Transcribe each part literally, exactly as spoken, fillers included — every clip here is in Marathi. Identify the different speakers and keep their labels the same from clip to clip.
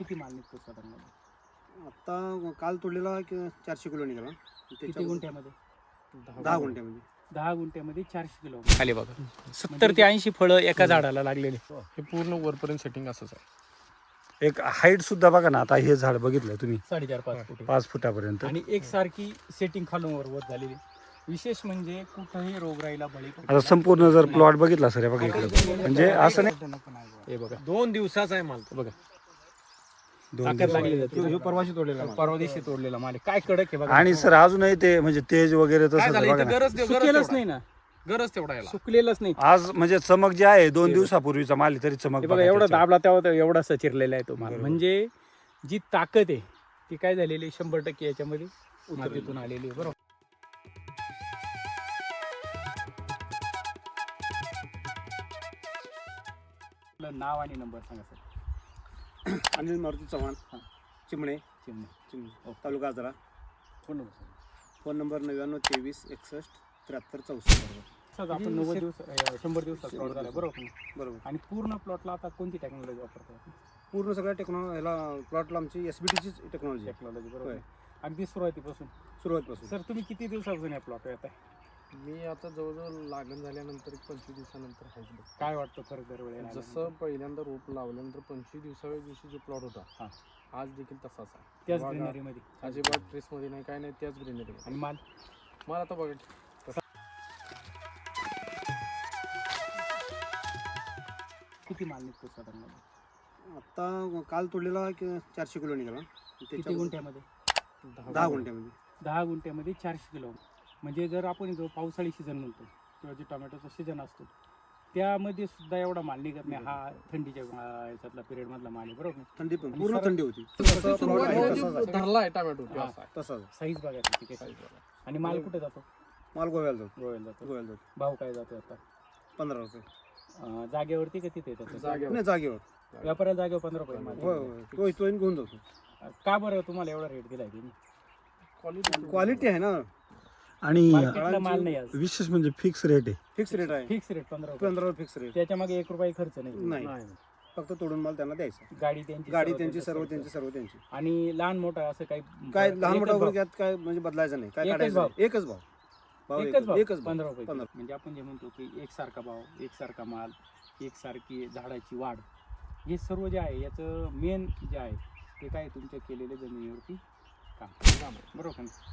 Speaker 1: किती माल निघतो साधारण?
Speaker 2: आता काल तोडलेला की चारशे किलो निघाला.
Speaker 1: किती गुंठ्यामध्ये?
Speaker 2: दहा गुंठ्यामध्ये.
Speaker 1: दहा गुंठ्यामध्ये चारशे किलो खाली बघा. सत्तर ते ऐंशी फळं एका झाडाला लागलेले.
Speaker 3: हे पूर्ण वरपर्यंत सेटिंग असंच आहे.
Speaker 2: एक हाईट सुद्धा बघा ना, आता हे झाड बघितलं तुम्ही
Speaker 1: साडेचार पाच फुट
Speaker 2: पाच फुटापर्यंत.
Speaker 1: आणि एकसारखी सेटिंग खालून वर वर झालेली. विशेष म्हणजे कुठंही रोगराईला बळी
Speaker 2: आता संपूर्ण जर प्लॉट बघितला सर बघा इकडे, म्हणजे असं नाही
Speaker 1: हे बघा
Speaker 3: दोन दिवसाचा आहे माल.
Speaker 1: बघा
Speaker 2: दोन
Speaker 1: ताकद लागली जाते.
Speaker 2: दिवस. परवाशी तोडलेला माल.
Speaker 1: परवा दिवशी तोडलेला माल आहे. काय कडक आहे बघा.
Speaker 2: आणि सर अजूनही ते म्हणजे तेज वगैरे
Speaker 3: काय
Speaker 2: तसं
Speaker 3: झालं
Speaker 2: बघा
Speaker 3: इथं
Speaker 2: ना.
Speaker 3: गरज
Speaker 1: सुकलेलंच नाही ना,
Speaker 3: गरज तेवढा याला.
Speaker 1: सुकलेलंच नाही.
Speaker 2: आज म्हणजे चमक जी आहे दोन दिवसापूर्वीचा माल आहे, तरी चमक
Speaker 1: हे बघा
Speaker 2: बघा
Speaker 1: एवढा
Speaker 2: त्याच्यावर.
Speaker 1: दाबला तेव्हा तो एवढासा चिरलेला आहे तो माल.
Speaker 2: बरोबर.
Speaker 1: म्हणजे जी ताकद आहे ती काय झालेली आहे, शंभर टक्के याच्यामध्ये मातीतून आलेली आहे. बरोबर. आपलं नाव आणि नंबर सांगा सर.
Speaker 2: अनिल मारुती चव्हाण,
Speaker 1: हां.
Speaker 2: चिमणे
Speaker 1: चिमणे.
Speaker 2: चिमणे तालुका आजरा.
Speaker 1: फोन नंबर सांगा.
Speaker 2: फोन नंबर नव्याण्णव तेवीस एकसष्ट त्र्याहत्तर चौसष्ट.
Speaker 1: सर आपण नव्वद दिवस अं, शंभर दिवसात प्लॉट झाला बरोबर ना?
Speaker 2: बरोबर.
Speaker 1: आणि पूर्ण प्लॉटला आता कोणती टेक्नॉलॉजी वापरतो आपण?
Speaker 2: पूर्ण सगळ्या टेक्नॉलॉजी ह्याला प्लॉटला आमची एस बी टीचीच टेक्नॉलॉजी आहे
Speaker 1: टेक्नॉलॉजी बरोबर
Speaker 2: होय.
Speaker 1: आहे. अगदी सुरुवातीपासून.
Speaker 2: सुरुवातपासून.
Speaker 1: सर तुम्ही किती दिवसापासून या प्लॉट येत आहे?
Speaker 3: मी आता जवळजवळ लागण झाल्यानंतर एक पंचवीस दिवसानंतर आहेच बघ.
Speaker 1: काय वाटतं फरक दरवेळेला?
Speaker 3: जसं पहिल्यांदा रोप लावल्यानंतर पंचवीस दिवसाव्या दिवशी जो प्लॉट होता
Speaker 1: हां.
Speaker 3: आज देखील तसाच आहे.
Speaker 1: त्याच
Speaker 3: बघा,
Speaker 1: ग्रीनरीमध्ये
Speaker 3: अजिबात ट्रेस मध्ये नाही, काय नाही, त्याच ग्रीनरी.
Speaker 1: आणि माल
Speaker 3: मला आता बघा
Speaker 1: किती माल निघतो साधारण?
Speaker 2: आता काल तोडलेला की चारशे किलो निघाला.
Speaker 1: किती गुंठ्यामध्ये?
Speaker 2: दहा गुंठ्यामध्ये.
Speaker 1: दहा गुंठ्यामध्ये चारशे किलो. म्हणजे जर आपण जो पावसाळी सीझन म्हणतो किंवा जे टोमॅटोचा सीझन असतो त्यामध्ये सुद्धा एवढा माल निघत नाही. हा थंडीच्या अं, याच्यातला पिरियड मधला माल आहे बरोबर.
Speaker 2: थंडी पण
Speaker 1: आणि
Speaker 2: पूर्ण
Speaker 1: सर-
Speaker 2: थंडी होती.
Speaker 1: सर-
Speaker 2: प्लॉट आहे
Speaker 1: सर-
Speaker 2: तसाच आहे.
Speaker 3: धरला आहे टोमॅटो
Speaker 1: हां.
Speaker 3: असा आहे.
Speaker 2: तसाच आहे.
Speaker 1: साईज बघा त्याची किती आहे. आणि माल कुठे जातो?
Speaker 2: माल गोव्याला जातो.
Speaker 1: गोव्याला जातो.
Speaker 2: गोव्याला जातो.
Speaker 1: भाव काय जातो आता?
Speaker 2: पंधरा रुपये.
Speaker 1: अं, जागेवरती का तिथे येतात?
Speaker 3: जागेवर.
Speaker 2: नाही जागेवर.
Speaker 1: व्यापाऱ्याला जागेवर पंधरा रुपये माल.
Speaker 2: होय होय. तो इथून घेऊन जातो.
Speaker 1: का बरं तुम्हाला एवढा रेट दिलाय तुम्ही?
Speaker 3: क्वालिटी
Speaker 2: क्वालिटी आहे ना. आणि
Speaker 1: मार्केटला माल नाही आज.
Speaker 2: विशेष म्हणजे फिक्स रेट आहे. फिक्स रेट आहे.
Speaker 1: फिक्स रेट पंधरा रुपये.
Speaker 2: पंधरा फिक्स रेट.
Speaker 1: त्याच्या मागे एक रुपये खर्च नाही.
Speaker 2: नाही.
Speaker 3: नाही.
Speaker 2: फक्त तोडून माल त्यांना द्यायचा.
Speaker 1: गाडी त्यांची
Speaker 2: गाडी
Speaker 1: सर्व
Speaker 2: त्यांची
Speaker 1: त्यांचा
Speaker 2: सर्व
Speaker 1: खर्च.
Speaker 2: त्यांची सर्व त्यांची.
Speaker 1: आणि लहान मोठा असं काही
Speaker 2: काय लहान
Speaker 1: एकच
Speaker 2: मोठा
Speaker 1: भाव.
Speaker 2: वगैरे यात काय म्हणजे बदलायचं नाही. काय
Speaker 1: एकच
Speaker 2: काढायचं
Speaker 1: भाव.
Speaker 2: नाही. एकच भाव. भाव
Speaker 1: एकच भाव
Speaker 2: एकच भाव.
Speaker 1: पंधरा रुपये.
Speaker 2: पंधरा.
Speaker 1: म्हणजे आपण जे म्हणतो की एकसारखा भाव, एकसारखा माल, एकसारखी झाडाची वाढ, हे सर्व जे आहे याचं मेन जे आहे ते काय तुमच्या केलेल्या जमिनीवरती काम
Speaker 3: काम आहे.
Speaker 1: बरोबर ना?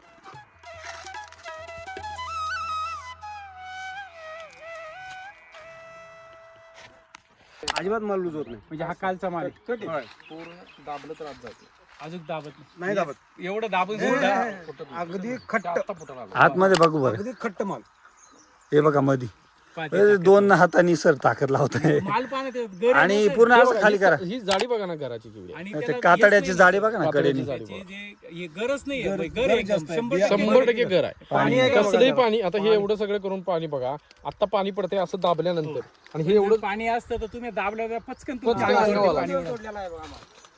Speaker 2: अजिबात माल लूज होत नाही.
Speaker 1: म्हणजे हा कालचा माल आहे.
Speaker 2: होय.
Speaker 3: पूर्ण दाबलं तर आज जाते.
Speaker 1: अजून दाबत नाही.
Speaker 2: नाही दाबत.
Speaker 1: एवढं दाबून
Speaker 2: हे,
Speaker 1: सुद्धा
Speaker 2: हे, हे. अगदी खट्ट.
Speaker 3: आता फुटायला लागलं.
Speaker 2: आतमध्ये बघू बरं. अगदी खट्ट माल. हे बघा मधी
Speaker 1: पाहते
Speaker 2: हे दोन हातांनी सर ताकद लावतोय.
Speaker 1: माल पाहण्यात
Speaker 2: आणि पूर्ण असं खाली करा.
Speaker 3: ही जाडी बघा ना घराची केवढी आहे.
Speaker 1: आणि
Speaker 2: ते
Speaker 1: त्याला
Speaker 2: कातड्याची
Speaker 1: हेच
Speaker 2: जाडी
Speaker 1: नाही
Speaker 2: बघा ना
Speaker 3: कातड्याची
Speaker 2: कडेने.
Speaker 3: जाडी.
Speaker 1: त्याची जे- हे गरज नाही आहे.
Speaker 2: गर-
Speaker 1: गर
Speaker 2: गर
Speaker 1: एकदम
Speaker 2: जास्त आहे.
Speaker 1: शंभर
Speaker 2: बिया-
Speaker 1: टक्के
Speaker 3: शंभर
Speaker 1: गर
Speaker 3: टक्के घर आहे.
Speaker 2: पाणी आहे का बघा
Speaker 3: कसलंही
Speaker 2: त्याला.
Speaker 3: पाणी आता हे एवढं सगळं करून पाणी बघा. आता पाणी पडते असं दाबल्यानंतर आणि हे एवढं
Speaker 1: एवढं पाणी असतं तर तुम्ही दाबल्यावर पचकन तुमच्या
Speaker 3: पचकन
Speaker 1: अंगावरती
Speaker 3: अंगावर
Speaker 1: पाणी
Speaker 3: आलं.
Speaker 1: उडतं.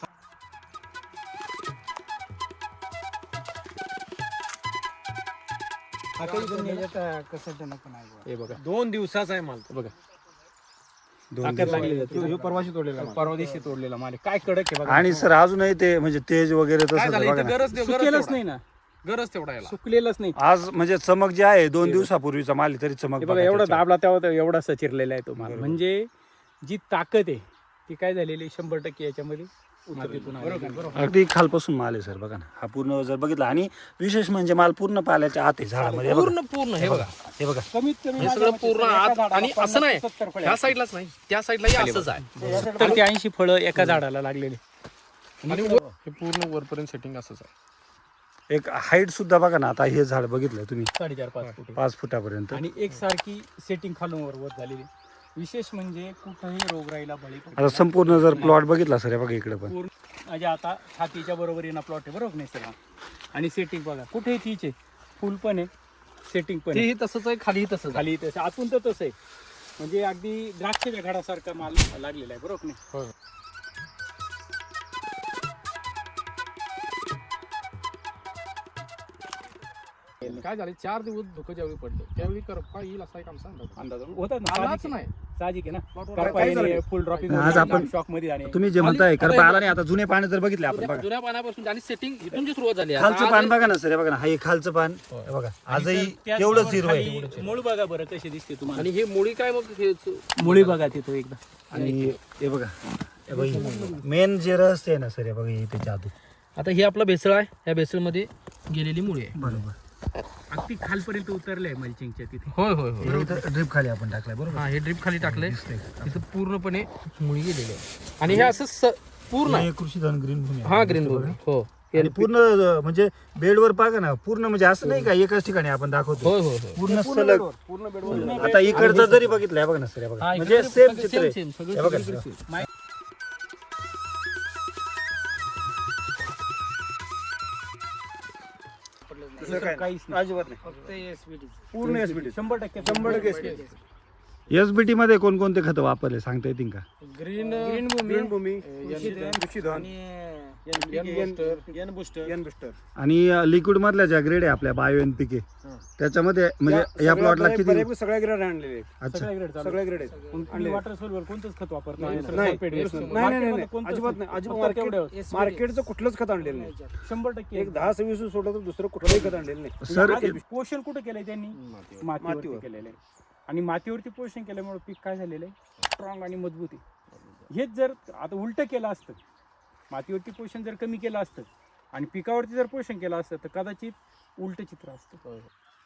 Speaker 1: हे बघा
Speaker 3: दोन दिवसाचा आहे माल.
Speaker 1: बघा
Speaker 2: दोन
Speaker 1: ताकद
Speaker 2: दिवस.
Speaker 1: लागली जाते.
Speaker 2: ह्यो परवाशी तोडलेला माल.
Speaker 1: परवा दिवशी तोडलेला माल आहे. काय कडक आहे बघा.
Speaker 2: आणि सर अजूनही ते म्हणजे तेज वगैरे
Speaker 3: काय
Speaker 2: तसं
Speaker 3: झालं
Speaker 2: बघा
Speaker 3: इथं
Speaker 2: ना.
Speaker 3: गरज गरज
Speaker 1: सुकलेलंच
Speaker 3: तेवढा
Speaker 1: नाही ना,
Speaker 3: गरज तेवढा याला.
Speaker 1: सुकलेलंच नाही.
Speaker 2: आज म्हणजे चमक जी आहे दोन दिवसापूर्वीचा माल आहे, तरी चमक
Speaker 1: हे बघा
Speaker 2: बघा
Speaker 1: एवढा
Speaker 2: त्याच्यावर.
Speaker 1: दाबला तेव्हा तो एवढासा चिरलेला आहे तो माल.
Speaker 2: बरोबर.
Speaker 1: म्हणजे जी ताकद आहे ती काय झालेली आहे, शंभर टक्के याच्यामध्ये मातीतून आलेली आहे. बरोबर.
Speaker 2: अगदी खालपासून माल आहे सर बघा ना. हा पूर्ण जर बघितला आणि विशेष म्हणजे माल पूर्ण पाल्याच्या आत आहे झाडामध्ये. हे बघा.
Speaker 3: पूर्ण पूर्ण हे बघा
Speaker 2: हे बघा
Speaker 1: कमीत कमी
Speaker 3: हे
Speaker 1: माझ्या
Speaker 3: सगळं
Speaker 1: मते
Speaker 3: पूर्ण
Speaker 1: एका
Speaker 3: आत
Speaker 1: झाडाला
Speaker 3: आणि असं नाही
Speaker 1: पन्नास सत्तर फळे
Speaker 3: ह्या
Speaker 1: असतील.
Speaker 3: साईडलाच नाही त्या साईडला असंच आहे.
Speaker 1: सत्तर ते ऐंशी फळं एका झाडाला लागलेली.
Speaker 3: आणि वर- हे पूर्ण वरपर्यंत सेटिंग असंच आहे.
Speaker 2: एक हाईट सुद्धा बघा ना. आता हे झाड बघितलं तुम्ही
Speaker 1: साडेचार पाच फुट
Speaker 2: पाच फुटापर्यंत.
Speaker 1: आणि एकसारखी सेटिंग खालून वर वर झालेली. विशेष म्हणजे कुठंही रोगराईला बळी पडत
Speaker 2: आता संपूर्ण जर प्लॉट बघितला सर हे बघा इकडे पण.
Speaker 1: पूर्ण म्हणजे आता छातीच्या बरोबरीनं प्लॉट आहे बरोबर नाही सर. आणि सेटिंग बघा कुठेही तीच आहे. फुल पण आहे, सेटिंग पण आहे.
Speaker 3: तेही तसंच आहे, खाली तसंच आहे.
Speaker 1: खाली तसं आतून तर तसं आहे. म्हणजे अगदी द्राक्षाच्या घडासारखा माल लागलेला आहे बरोबर नाही.
Speaker 3: होय. काय झालं चार दिवस धुकं ज्यावेळी पडलं त्यावेळी करपा येईल असा एक आमचा अंदाज
Speaker 1: अंदाज होतात ना,
Speaker 3: आलाच
Speaker 1: साहजिक आहे.
Speaker 3: नाही
Speaker 1: साहजिक आहे ना.
Speaker 3: प्लॉटवर
Speaker 1: करपा
Speaker 3: काय
Speaker 1: येणे,
Speaker 3: झालं?
Speaker 1: फुल ड्रॉपिंग
Speaker 2: आज आपण-
Speaker 1: शॉक मध्ये आणि
Speaker 2: तुम्ही जे म्हणताय करपा आला नाही आता जुने पानं जर बघितले आपण बघा
Speaker 4: जुन्या पानापासून आणि सेटिंग इथून जी सुरुवात झाली आहे.
Speaker 2: खालचं
Speaker 4: आता
Speaker 2: पान
Speaker 4: आज-
Speaker 2: बघा ना सर हे बघा ना हे खालचं पान हे बघा आजही तेवढंच हिरवं आहे
Speaker 1: मूळ बघा बरं कशी दिसते तुम्हाला.
Speaker 4: आणि हे मुळी काय मग हे
Speaker 1: मुळी बघा तिथं एकदा.
Speaker 2: आणि हे बघा मेन जे रहस्य आहे ना सर हे बघा हे त्याच्या आधी
Speaker 4: आता हे आपला भेसळ आहे या भेसळमध्ये गेलेली मुळी आहे.
Speaker 2: बरोबर
Speaker 1: अगदी खालपर्यंत उतरले आहे मल्चिंगच्या तिथे.
Speaker 4: होय होय होय
Speaker 2: हे इथं ड्रिप खाली आपण टाकलाय बरोबर
Speaker 4: हा हे ड्रिप खाली टाकलंय
Speaker 2: दिसतंय.
Speaker 4: तिथं पूर्णपणे मुळी गेलेली आहे आणि हे असं स- पूर्ण आहे.
Speaker 2: हे कृषी धन ग्रीन भूमी आहे.
Speaker 4: हा ग्रीन
Speaker 2: दिसतंय
Speaker 4: भूमी
Speaker 2: बघा.
Speaker 4: हो
Speaker 2: आणि पूर्ण अं, म्हणजे बेडवर बघा ना पूर्ण म्हणजे असं नाही का एकाच ठिकाणी आपण दाखवतो
Speaker 4: होय होय होय
Speaker 2: पूर्ण सलग
Speaker 3: पूर्ण बेडवर
Speaker 2: आता इकडचं जरी बघितलंय बघा ना सर हे बघा म्हणजे सेम चित्र आहे.
Speaker 4: सेम
Speaker 2: हे बघा
Speaker 4: सगळं
Speaker 2: ना.
Speaker 1: काहीच नाही.
Speaker 2: अजिबात नाही पूर्ण एसबीटी
Speaker 1: शंभर टक्के
Speaker 2: शंभर टक्के एसबीटी एसबीटी मध्ये कोणकोणते खतं वापरले सांगता येतील का
Speaker 3: green
Speaker 1: green Bhumi,
Speaker 3: green Bhumi
Speaker 2: आणि लिक्विड मधल्या ज्या ग्रेड आहे आपल्या बायो एन पी के त्याच्यामध्ये म्हणजे या प्लॉटला किती
Speaker 5: सगळ्या ग्रेड आणलेले
Speaker 2: अच्छा
Speaker 1: सगळ्या ग्रेड चालू.
Speaker 5: सगळ्या ग्रेड आहेत
Speaker 1: आणि वॉटर सोल्युबल कोणतंच खत वापरत नाही.
Speaker 3: नाही,
Speaker 5: नाही,
Speaker 1: सल्फेट
Speaker 5: नाही,
Speaker 1: वेस्ट.
Speaker 5: नाही, नाही, नाही,
Speaker 1: मार्केटमध्ये कोणतंच
Speaker 5: अजिबात
Speaker 1: नाही.
Speaker 5: नाही, अजिबात
Speaker 1: फक्त
Speaker 5: मार्केट-
Speaker 1: तेवढं.
Speaker 5: मार्केटचं कुठलंच खत आणलेलं नाही
Speaker 1: शंभर टक्के
Speaker 5: एक दहा सव्वीस सोडलं तर दुसरं कुठलंही खत आणलेलं नाही
Speaker 2: सर
Speaker 1: आता पोषण कुठं केलंय त्यांनी मातीवरती
Speaker 5: मातीवर.
Speaker 1: केलेलं आहे. आणि मातीवरती पोषण केल्यामुळे पीक काय झालेलं आहे स्ट्रॉंग आणि मजबूत आहे. हेच जर आता उलट केलं असतं मातीवरती पोषण जर कमी केलं असतं आणि पिकावरती जर पोषण केलं असतं तर कदाचित उलट चित्र असतं.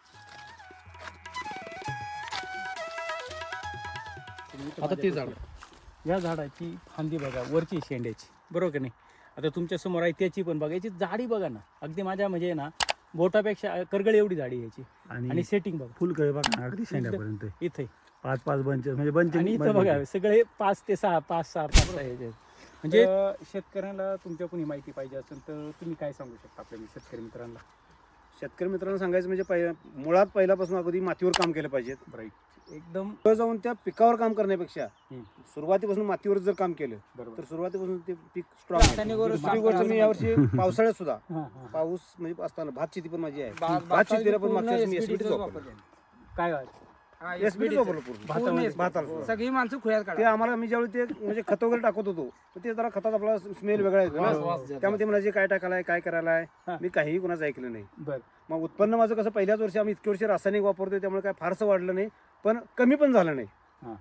Speaker 4: आता ते झाड
Speaker 1: या झाडाची फांदी बघा वरची शेंड्याची बरोबर का नाही. आता तुमच्या समोर आहे त्याची पण बघा याची जाडी बघा ना अगदी माझ्या म्हणजे ना बोटापेक्षा करगळ एवढी जाडी आहे याची. आणि
Speaker 2: आणि
Speaker 1: सेटिंग बघा
Speaker 2: फुलकळी बघा ना अगदी शेंड्यापर्यंत
Speaker 1: इथे
Speaker 2: पाच पाच बंच म्हणजे बंच
Speaker 1: आणि इथं बघा सगळे पाच ते सहा पाच सहा पाच सहा याचे. म्हणजे शेतकऱ्यांना तुमच्या कोणी माहिती पाहिजे असेल तर तुम्ही काय सांगू शकता आपल्या शेतकरी मित्रांना.
Speaker 5: शेतकरी मित्रांना सांगायचं म्हणजे पहिल्या मुळात पहिल्यापासून अगदी मातीवर काम केलं पाहिजे
Speaker 1: राईट एकदम
Speaker 5: पुढे जाऊन त्या पिकावर काम करण्यापेक्षा
Speaker 1: हम्म.
Speaker 5: सुरुवातीपासून मातीवर जर काम केलं
Speaker 1: बरोबर.
Speaker 5: तर सुरुवातीपासून ते पीक स्ट्रॉंग दुसरी गोष्ट मी यावर्षी पावसाळ्यात सुद्धा
Speaker 1: हा, हा.
Speaker 5: पाऊस म्हणजे असताना भात शेती पण माझी आहे भात शेतीला पण मागच्या वर्षी मी एसबीटीच वापरलं
Speaker 1: काय व्हायचं?
Speaker 5: एसबीटीच वापरलं पूर्ण
Speaker 1: भातामध्ये.
Speaker 5: भाताला
Speaker 6: सगळी माणसं खुयात
Speaker 5: ते आम्हाला मी ज्यावेळी ते म्हणजे खत वगैरे टाकत होतो तर ते जरा खतात आपला स्मेल वेगळा येतो
Speaker 3: वास-
Speaker 5: ना
Speaker 3: वास जास्त.
Speaker 5: त्यामध्ये म्हणायचे काय टाकायला काय करायला
Speaker 1: हा.
Speaker 5: आहे मी काहीही कुणाचं ऐकलं नाही
Speaker 1: बर
Speaker 5: मग उत्पन्न माझं कसं पहिल्याच वर्षी आम्ही इतके वर्षी रासायनिक वापरतोय त्यामुळे काय फारसं वाढलं नाही पण कमी पण झालं नाही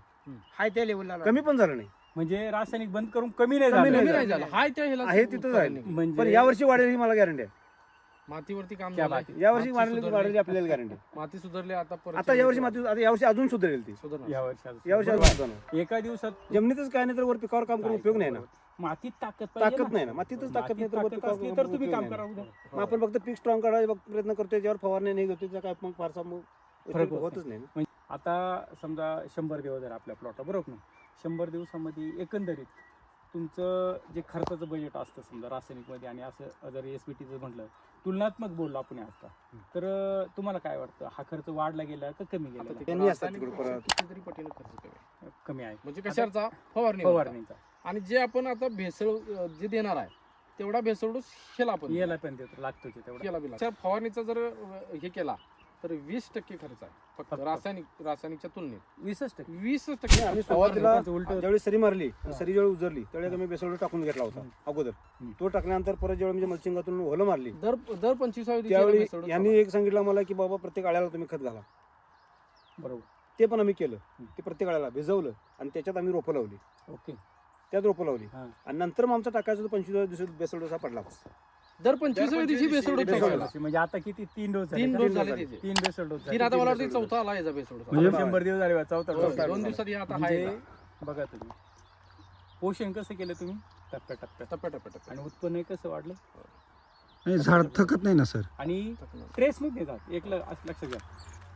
Speaker 6: हाय त्या लेवलला
Speaker 5: कमी पण झालं नाही
Speaker 1: म्हणजे रासायनिक बंद करून कमी नाही
Speaker 5: कमी
Speaker 1: झालं.
Speaker 5: नाही
Speaker 3: कमी नाही झालं हाय त्या ह्याला
Speaker 5: आहे तिथं जाईल
Speaker 1: म्हणजे
Speaker 5: पण यावर्षी वाढेल ही मला गॅरंटी आहे
Speaker 3: मातीवरती काम
Speaker 1: क्या
Speaker 3: झालंय.
Speaker 1: बात आहे.
Speaker 5: यावर्षी
Speaker 3: माती
Speaker 5: वाढलेली
Speaker 3: सुधारली.
Speaker 5: वाढलेली आपल्याला गॅरंटी
Speaker 3: माती सुधारली आता परत
Speaker 5: आता यावर्षी माती आता यावर्षी अजून सुधारेल ती
Speaker 3: सुधारणार.
Speaker 1: या वर्षात
Speaker 5: यावर्षी
Speaker 1: बरोबर.
Speaker 5: अजून सुधारणार.
Speaker 1: एका दिवसात
Speaker 5: जमिनीतच काय नाही तर वर पिकावर काम करून उपयोग नाही ना
Speaker 1: मातीत ताकद पाहिजे
Speaker 5: ताकद नाही ना मातीतच ताकद नाही तर वर
Speaker 1: ताकद
Speaker 5: पिकावर
Speaker 1: असली
Speaker 5: काम
Speaker 1: तर
Speaker 5: करून
Speaker 1: तुम्ही
Speaker 5: उपयोग
Speaker 1: काम
Speaker 5: नाही
Speaker 1: करा
Speaker 5: ना.
Speaker 1: उद्या.
Speaker 5: मग आपण फक्त पीक स्ट्रॉंग काढायचा बघ- प्रयत्न करतोय त्यावर फवारणी नाही घेतोय त्याचा काय मग फारसा मग
Speaker 1: फरक होत
Speaker 5: होतच नाही ना.
Speaker 1: म्हणजे आता समजा शंभर दिवस जर आपल्या प्लॉट बरोबर ना शंभर दिवसामध्ये एकंदरीत तुमचं जे खर्चाचं बजेट असतं समजा रासायनिकमध्ये आणि असं जर एस बी टीचं म्हटलं तुलनात्मक बोललो आपण आता तर अं, तुम्हाला काय वाटतं हा खर्च वाढला गेला का कमी
Speaker 3: आता
Speaker 1: गेला
Speaker 3: ते
Speaker 5: त्यांनी असतात
Speaker 3: रासायनिक
Speaker 5: तिकडे परत.
Speaker 3: कितीतरी पटीनं खर्च कमी आहे.
Speaker 1: कमी आहे
Speaker 3: म्हणजे कशाचा फवारणी
Speaker 1: फवारणीचा
Speaker 3: आणि जे आपण आता भेसळ अं, जे देणार आहे तेवढा भेसळ डोस हेला आपण
Speaker 1: याला पण देतो लागतो की तेवढा
Speaker 3: केला बिला त्या फवारणीचा जर अं, हे केला तर वीस टक्के खर्च आहे फक्त
Speaker 1: फक्त.
Speaker 3: रासायनिक रासायनिकच्या तुलनेत
Speaker 1: वीसच टक्के
Speaker 3: वीस टक्के
Speaker 5: आम्ही
Speaker 3: फवारणी.
Speaker 5: सुरुवातीला
Speaker 1: उलट
Speaker 5: ज्यावेळी सरी मारली
Speaker 1: हा.
Speaker 5: सरी ज्यावेळी उजरली त्यावेळी आम्ही बेसोड टाकून घेतला होता अगोदर
Speaker 1: हम्म.
Speaker 5: तो टाकल्यानंतर परत ज्यावेळी म्हणजे मल्चिंगातून होलं मारली
Speaker 3: दर दर पंचवीसाव्या दिवशी
Speaker 5: त्यावेळी
Speaker 3: भेसळ डोस
Speaker 5: यांनी एक सांगितलं मला की बाबा प्रत्येक आळ्याला तुम्ही खत घाला
Speaker 1: बरोबर
Speaker 5: ते पण आम्ही केलं ते प्रत्येक आळ्याला भिजवलं आणि त्याच्यात आम्ही रोपं लावली
Speaker 1: ओके
Speaker 5: त्यात रोपं लावली
Speaker 1: हा.
Speaker 5: आणि नंतर मग आमचा टाकायचा पंचवीस दिवस बेसोड डोसा पडला
Speaker 3: दर पंचवीसाव्या दिवशी भेसळ डोस
Speaker 5: भेसळ
Speaker 3: टाकायला.
Speaker 5: डोस.
Speaker 1: म्हणजे आता किती तीन डोस झाले
Speaker 3: तीन
Speaker 1: का?
Speaker 3: डोस
Speaker 5: तीन
Speaker 3: झाले
Speaker 5: झाले.
Speaker 3: त्याचे
Speaker 1: तीन बेसल डोस
Speaker 3: तीन आता मला वाटतं चौथा आला याचा भेसळ डोस
Speaker 2: म्हणजे-
Speaker 1: शंभर दिवस झाले बा, चौथा
Speaker 3: होय,
Speaker 1: डोस झाला.
Speaker 3: दोन दिवसात हे आता
Speaker 1: म्हणजे
Speaker 3: आहे
Speaker 1: बघा तुम्ही पोषण कसं केलं तुम्ही टप्प्या टप्प्यात
Speaker 3: टप्प्या टप्प्या टप्प्या
Speaker 1: आणि उत्पन्न कसं वाढलं
Speaker 2: नाही, झाड थकत नाही ना सर
Speaker 1: आणि ट्रेस मध्ये जात एक ल- असं लक्षात घ्या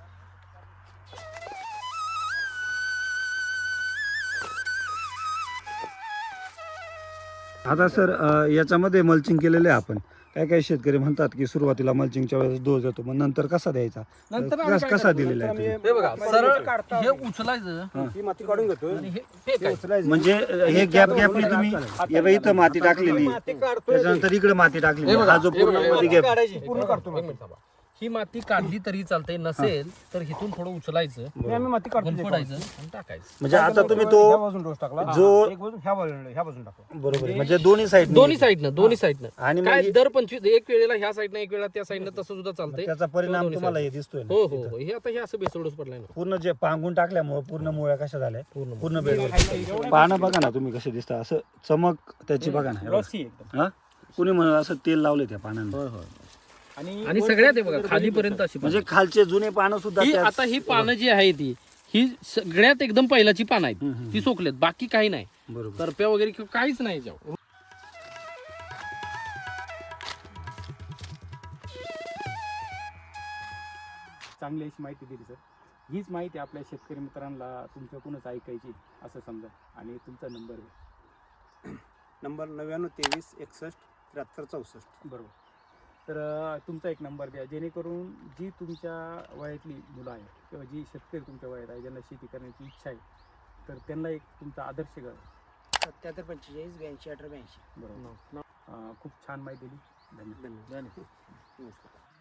Speaker 2: आता सर अं, याच्यामध्ये मल्चिंग केलेले आहे आपण काय काय शेतकरी म्हणतात की सुरुवातीला मल्चिंगच्या वेळेस डोस देतो मग नंतर कसा द्यायचा
Speaker 3: नंतर आम्ही
Speaker 2: कस-
Speaker 3: काय
Speaker 2: कसा
Speaker 3: करतो?
Speaker 2: दिलेला
Speaker 5: नंतर
Speaker 2: आहे
Speaker 5: आम्ही
Speaker 2: तुम्ही?
Speaker 4: हे बघा
Speaker 5: माती
Speaker 4: सरळ
Speaker 5: काढता
Speaker 4: हे उचलायचं
Speaker 5: ही माती काढून घेतो
Speaker 4: आणि हे
Speaker 5: ते
Speaker 4: फेकायचं.
Speaker 5: उचलायचं.
Speaker 2: म्हणजे अं, हे गॅप गॅपने तुम्ही हे बघा, इथं माती टाकलेली
Speaker 5: माती काढतोय
Speaker 2: त्याच्यानंतर इकडे माती टाकलेली
Speaker 4: हे बघा,
Speaker 2: हा जो
Speaker 4: हे बघा,
Speaker 2: पूर्ण
Speaker 4: हे
Speaker 2: मध्ये
Speaker 4: बघा.
Speaker 2: गॅप
Speaker 5: काढायची पूर्ण काढतो
Speaker 3: एक मिनिट थांबा.
Speaker 4: ही माती काढली तरी चालते, नसेल तर इथून थोडं उचलायचं,
Speaker 5: हे आम्ही माती काढतो
Speaker 4: गुंफडायचं
Speaker 5: त्याच्यावर.
Speaker 4: आणि टाकायचं.
Speaker 2: म्हणजे
Speaker 5: काय
Speaker 2: आता
Speaker 5: केलं,
Speaker 2: तुम्ही
Speaker 5: ह्या
Speaker 2: तो
Speaker 5: बाजून डोस टाकला
Speaker 2: जो-
Speaker 5: एक बाजून ह्या बाजून ह्या बाजून टाकला.
Speaker 2: बरोबर आहे. म्हणजे दोन्ही साईड
Speaker 4: दोन्ही साईडनं दोन्ही साईडनं
Speaker 2: आणि मग
Speaker 4: काय
Speaker 2: हे-
Speaker 4: दर पंचवीस एक वेळेला ह्या साईडनं एक वेळा त्या साईडनं तसं सुद्धा चालतंय.
Speaker 2: त्याचा परिणाम
Speaker 4: दोन्ही
Speaker 2: तुम्हाला
Speaker 4: side.
Speaker 2: हे दिसतोय ना
Speaker 4: हो हो
Speaker 2: इथं.
Speaker 4: हो. हे आता हे असं बेसोडच पडलाय ना
Speaker 2: पूर्ण जे पांगून टाकल्यामुळे पूर्ण मुळ्या कशा झाल्या
Speaker 4: पूर्ण
Speaker 2: पूर्ण बेडवर पानं बघा ना तुम्ही कसे दिसतात, असं चमक त्याची बघा ना हे बघा.
Speaker 1: ग्लॉसी एकदम.
Speaker 2: हा कुणी म्हणून असं तेल लावले त्या पानांना
Speaker 1: आणि
Speaker 4: आणि
Speaker 1: वर
Speaker 4: सगळ्यात हे
Speaker 1: जर
Speaker 4: बघा
Speaker 1: बघितलं
Speaker 4: खालीपर्यंत
Speaker 1: तर
Speaker 4: अशी
Speaker 2: म्हणजे खालचे जुने पानं सुद्धा
Speaker 4: ही
Speaker 2: त्याच-
Speaker 4: आता ही पानं जी आहे ती ही सगळ्यात एकदम पहिल्याची पानं आहेत,
Speaker 2: हम्म, हम्म.
Speaker 4: ती सोकलेत, बाकी काही नाही,
Speaker 2: बरोबर
Speaker 4: तरप्या वगैरे किंवा काहीच नाही याच्यावर.
Speaker 1: चांगली अशी माहिती दिली सर. हीच माहिती आपल्या शेतकरी मित्रांना तुमच्याकडूनच ऐकायची असं समजा, आणि तुमचा नंबर आहे.
Speaker 5: नंबर नव्याण्णव तेवीस एकसष्ट त्र्याहत्तर चौसष्ट.
Speaker 1: बरोबर. तर अं, तुमचा एक नंबर द्या, जेणेकरून जी तुमच्या वयातली मुलं आहे किंवा जी शेतकरी तुमच्या वयात आहे, ज्यांना शेती करण्याची इच्छा आहे, तर त्यांना एक तुमचा आदर्श घ्या.
Speaker 6: सत्याहत्तर पंचेचाळीस ब्याऐंशी अठरा ब्याऐंशी.
Speaker 1: बरोबर. अं, खूप छान माहिती दिली. धन्यवाद.
Speaker 5: धन्यवाद. नमस्कार.